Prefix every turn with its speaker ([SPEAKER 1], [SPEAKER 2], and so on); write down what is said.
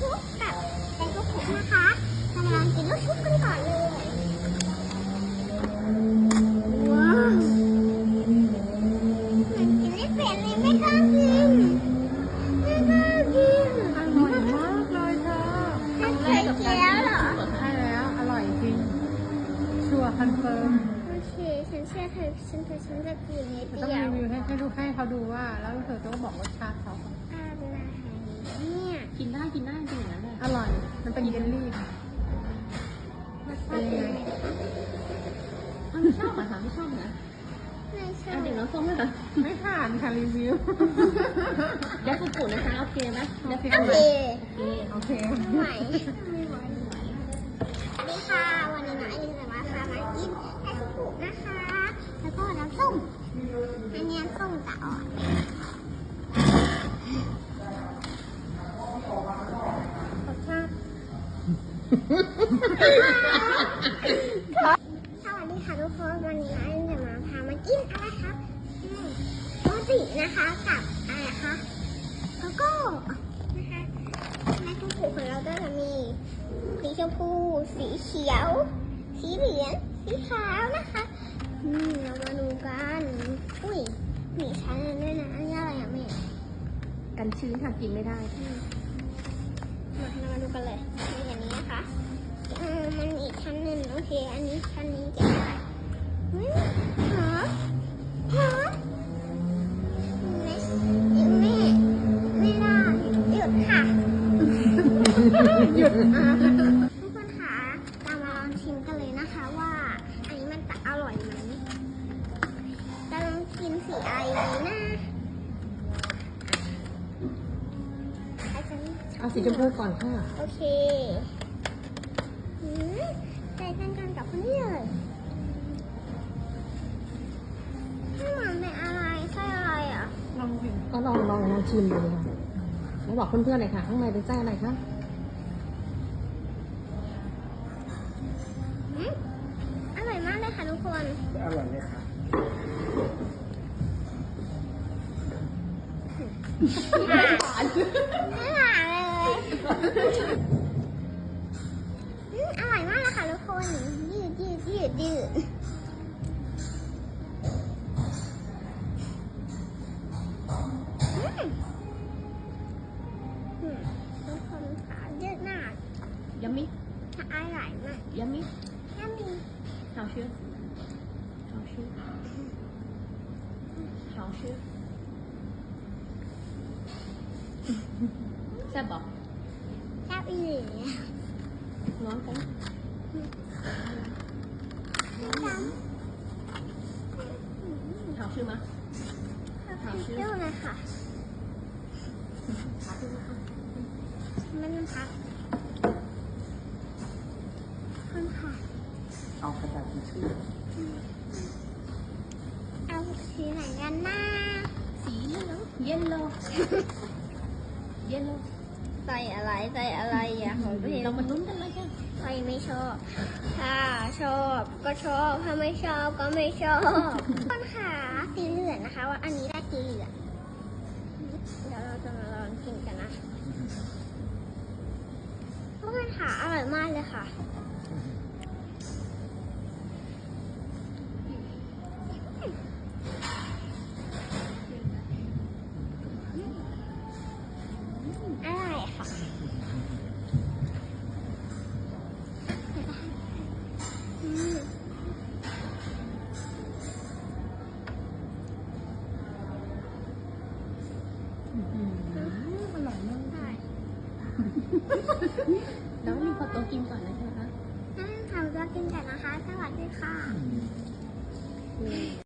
[SPEAKER 1] ชุบกับแตงกุ๊กนะคะเรามาลองกินลูกชุบกันก่อนเลยว้าวมันกินไม่เป็นเลยไม่กล้ากินไม่กล้ากิน
[SPEAKER 2] อร่อยมากเลยเธอ
[SPEAKER 1] ไม่เคยกินแล้วเหรอ
[SPEAKER 2] ใช่แล้วอร่อยจริงชัวร์คอนเฟิร์ม
[SPEAKER 1] โอเคฉันเชื่อเธอฉันจะกินนิด
[SPEAKER 2] ต้อง
[SPEAKER 1] เดียว
[SPEAKER 2] รีวิวให้เขาดูว่าแล้วเธอต้องบอกรสชาติเขา
[SPEAKER 1] อะไรเนี่ย
[SPEAKER 3] กินได้จริงอย่างนั้นเลย
[SPEAKER 2] อร่อยมันเป็นเยลลี่
[SPEAKER 1] รสชาติเป็นยังไง
[SPEAKER 3] ไม่ชอบอ่ะค่ะไม่ชอบนะ
[SPEAKER 1] ไม่ชอบ
[SPEAKER 3] เดี๋ยวน้องส้มเลยค่ะ
[SPEAKER 2] ไม่ผ่านค่ะรีวิว
[SPEAKER 3] เดี๋ยวฝุ่นๆนะคะโอเคไหมเดี๋ยว
[SPEAKER 1] โอ
[SPEAKER 3] ฝุ่น
[SPEAKER 1] เค
[SPEAKER 2] โอเค
[SPEAKER 1] ไม่ไหวสวัสดีค่ะวันนี้น้องไอรินจะมาพามากินไอศกรีมนะคะ แล้วก็น้ำส้มอันนี้น้ำส้มจะอ่อนรสชาติสวัสดีค่ะทุกคนวันนี้น้องไอรินจะมาพามากินอะไรคะโรตีนะคะกับอะไรคะโกโก้นะคะในกระปุกของเราก็จะมีสีชมพูสีเขียว สีเหลืองสีขาวนะคะเรามาดูกันอุ้ยมีชั้นด้วยนะอันนี้อะไรอ่ะแม่
[SPEAKER 3] กันชื้นค่ะกินไม่ได้
[SPEAKER 1] เรามาดูกันเลยในอย่างนี้นะคะมันมีอีกชั้นหนึ่งโอเคอันนี้ชั้นนี้เก็บได้หอมหอมแม่ไม่ได้หยุดค่ะ
[SPEAKER 2] หยุด
[SPEAKER 1] ทุกคนคะเรามาลองชิมกันเลยนะคะว่าอันนี้มันจะอร่อยไหมจะลองกินสีอะไรดีนะ
[SPEAKER 2] เอาสีชมพูก่อนค่ะ
[SPEAKER 1] โอเคใส่กันกับคนนี้เลยข้างหลังเป็นอะไรไส้อะไรอ่ะ
[SPEAKER 2] ลองชิม
[SPEAKER 3] ก็ลองชิมดูค่ะแล้วบอกเพื่อนๆหน่อยค่ะข้างในเป็นไส้อะไรคะ
[SPEAKER 1] อร่อยมากเลยค่ะทุกคน
[SPEAKER 4] อร่อยไหมครับ
[SPEAKER 1] ไม่หวานเลยอร่อยมากเลยค่ะทุกคนยืดทุกคนขายืดมาก
[SPEAKER 3] ยัมมี่
[SPEAKER 1] ถ้าอร่อยมาก
[SPEAKER 3] ยัมมี่
[SPEAKER 1] ถ้ามี
[SPEAKER 3] 好吃好吃好吃แซ่บบอก
[SPEAKER 1] แซ่บอีหลี
[SPEAKER 3] ร้อนกัน 好吃吗
[SPEAKER 1] เที่ยวเลยค่ะมันพักคนค่ะ
[SPEAKER 4] เอากระดาษทิชชู่
[SPEAKER 1] เอาสีไหนกันนะ
[SPEAKER 3] สีเหลืองเย็นโลเย็นโล
[SPEAKER 1] ใส่อะไรอ่ะของพี่
[SPEAKER 3] เรามาลุ้นกันเลยค่ะ
[SPEAKER 1] ใครไม่ชอบ ถ้าชอบก็ชอบ ถ้าไม่ชอบก็ไม่ชอบคนค่ะสีเหลืองนะคะ ว่าอันนี้ได้สีเหลืองเดี๋ยวเราจะมาลองกินกันนะทุกคนค่ะอร่อยมากเลยค่ะอร่อยค่ะ
[SPEAKER 2] อร่อยมาก
[SPEAKER 1] ใช่
[SPEAKER 3] แล้วมีขอตัวกินก่อนนะคะ
[SPEAKER 1] งั้นทำตัวกินกันนะคะ สวัสดีค่ะ